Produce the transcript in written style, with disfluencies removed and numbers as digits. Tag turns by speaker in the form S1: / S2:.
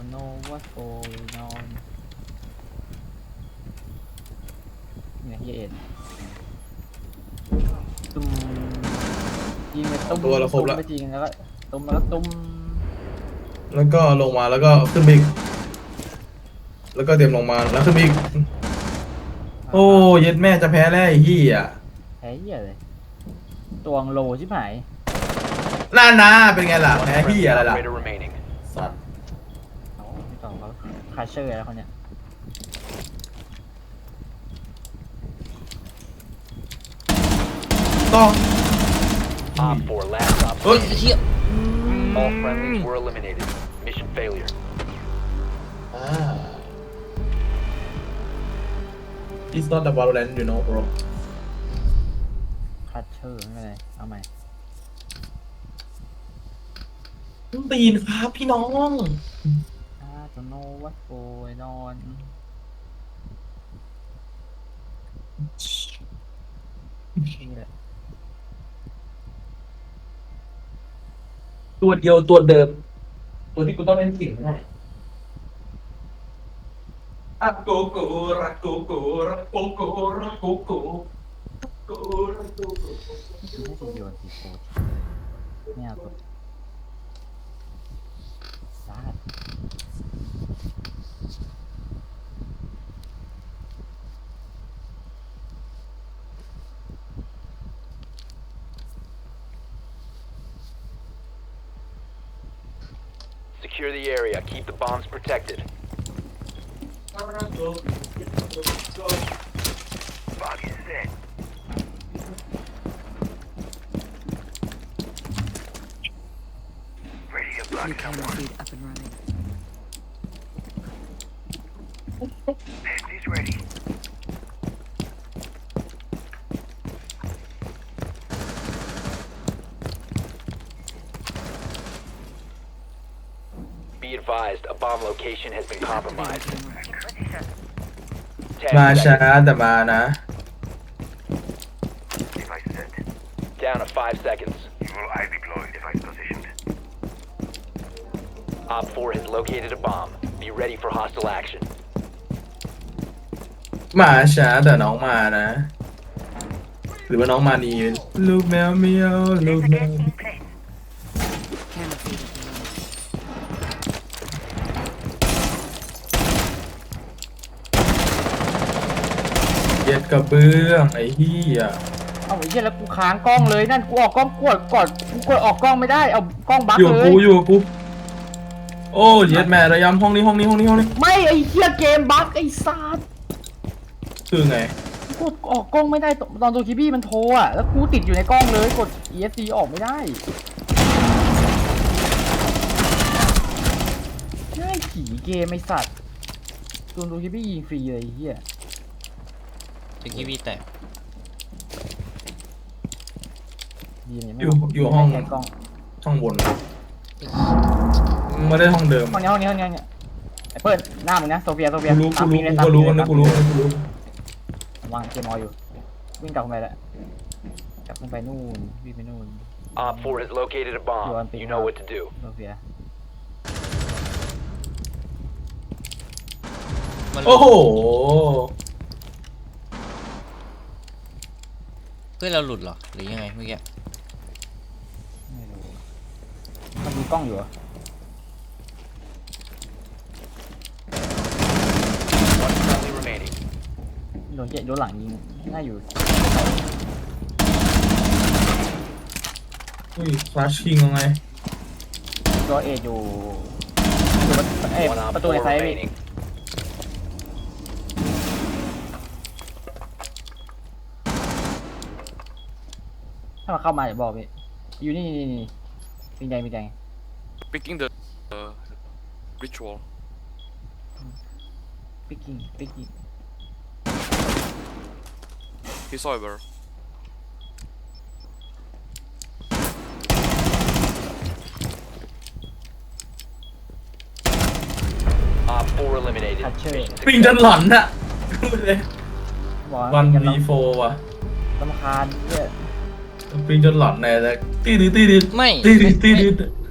S1: don't know what's going on เนี่ยเฮียเอ็ดตุ้มยิงไปตุ้ม
S2: ตัวเราครบแล้ว
S1: ไปจริงแล้วก็ตุ้มแล้วก็ตุ้ม
S2: แล้วก็ลงมาแล้วก็ขึ้นไปอีกแล้วก็เตรียมลงมาแล้วขึ้นไปอีกโอ้เย็ดแม่จะแพ้แล้วไอ้เหี้ย
S1: แพ้เหี้ยเลยตวงโลชิบหาย
S2: น่านะเป็นไงล่ะแพ้
S3: Friendly
S2: เหี้ยอะไรล่ะ
S3: operator remaining.
S2: สัตว์
S1: เอาไม่ต้องเขาคาเชอร์แล้วเขาเนี่ย
S2: ต้อง
S3: Op 4 last stop.
S2: เฮ้ย
S3: All friendlies were eliminated. Mission failure.
S2: It's not the Valorant you know bro
S1: คาเชอร์ไม่เป็นไรเอาใหม่
S2: ตีนครับพี่น้อง
S1: don't know what's going on นี่แหละ
S2: ตัวเดียวตัวเดิมตัวที่กูต้องเล่นเสียงได้อะโกโกรักโกโกรักโกโกรักโกโกโกรักโกโก
S1: คือน่าจะโยนสีโฟดไม่เอาตัวลาด
S3: Secure the area. Keep the bombs protected. Bug is set. Ready to block
S4: Camera feed up and running.
S3: He's ready. Be advised, a bomb location has been compromised. 10
S2: มาช้า
S3: seconds.
S2: แต่มานะ
S3: Device set. Down to 5 seconds. Evil eye deployed. Device positioned. Op 4 has located a bomb. Be ready for hostile action.
S2: มาช้าแต่น้องมานะ หรือว่าน้องมานีลูกแมวเมียวลูกแมว
S4: Camera feed up and running.
S2: เย็ดกระเบื้องไอ้เหี้ย
S1: เอาไอ้เหี้ยแล้วกูค้างกล้องเลยนั่นกูออกกล้องกดกูกดออกกล้องไม่ได้เอากล้องบั๊ก
S2: อยู่กับ
S1: เล
S2: กู
S1: ย
S2: อยู่กับกูโอ้เย็ดแม่ระยำห้องนี้ห้องนี้ห้องนี้ห้องนี้
S1: ไม่ไอ้เหี้ยเกมบั๊กไอ้ซาด
S2: คือไง
S1: กูออกกล้องไม่ได้ตอนตัวคิบี้มันโทรอ่ะแล้วกูติดอยู่ในกล้องเลยกด ESC ออกไม่ได้ง่ายขี่เกมไอ้สัตว์ตัวคิบี้ยิงฟรีเลยไอ้เหี้ย
S5: จะกีวีแตก
S1: ยิงยัง
S2: อยู่ห้อง
S1: ใช้กล้อง
S2: ห้องบนไม่ได้ห้องเดิม
S1: ห้องนี้ไอ้เปิ้ลหน้ามึงนะโซเฟีย
S2: กูรู้
S1: ตาม
S2: กู
S1: ปี
S2: รู้
S1: เลย
S2: กู
S1: ตาม
S2: ก็
S1: ปี
S2: รู้
S1: เลย
S2: นะ
S1: ตาม
S2: กู
S1: ปี
S2: รู้
S1: เลย
S2: กูรู้
S1: วางเกมออยู่วิ่งกลับขึ้นไปแล้วกลับขึ้นไปนู่นวิ่งไปนู่น
S3: Op 4 has located a bomb. You know what to do.
S1: โซเฟีย
S5: มัน
S2: โอ้โห
S5: เพื่อนเราหลุดเหรอหรือยังไงเมื่อกี้
S1: ไม่รู้มันมีกล้องอยู่เหรอ
S3: One friendly remaining.
S1: โดนหลังยิงน่าอยู่
S2: อุ้ยฟลาชคิงยังไง
S1: ตัวเออยู่ประตูใน
S3: One op 4
S1: ไซด์พี่
S3: remaining.
S1: ถ้ามันเข้ามาอย่าบอกพี่อยู่นี่ปิงแดง
S6: Picking the ritual.
S1: ปิกกิ้ง
S6: He's over.
S3: Op 4 eliminated.
S1: Catcher.
S3: Mission
S2: ปิงจน
S3: success.
S2: หลอนอะ
S1: บอก
S2: วัน
S1: กัน
S2: วีโฟว่ะ
S1: รำคาญเนี่ย
S2: ปิงจนหลอนแน่เลยตีดิ
S5: ไม่
S2: ตีดิ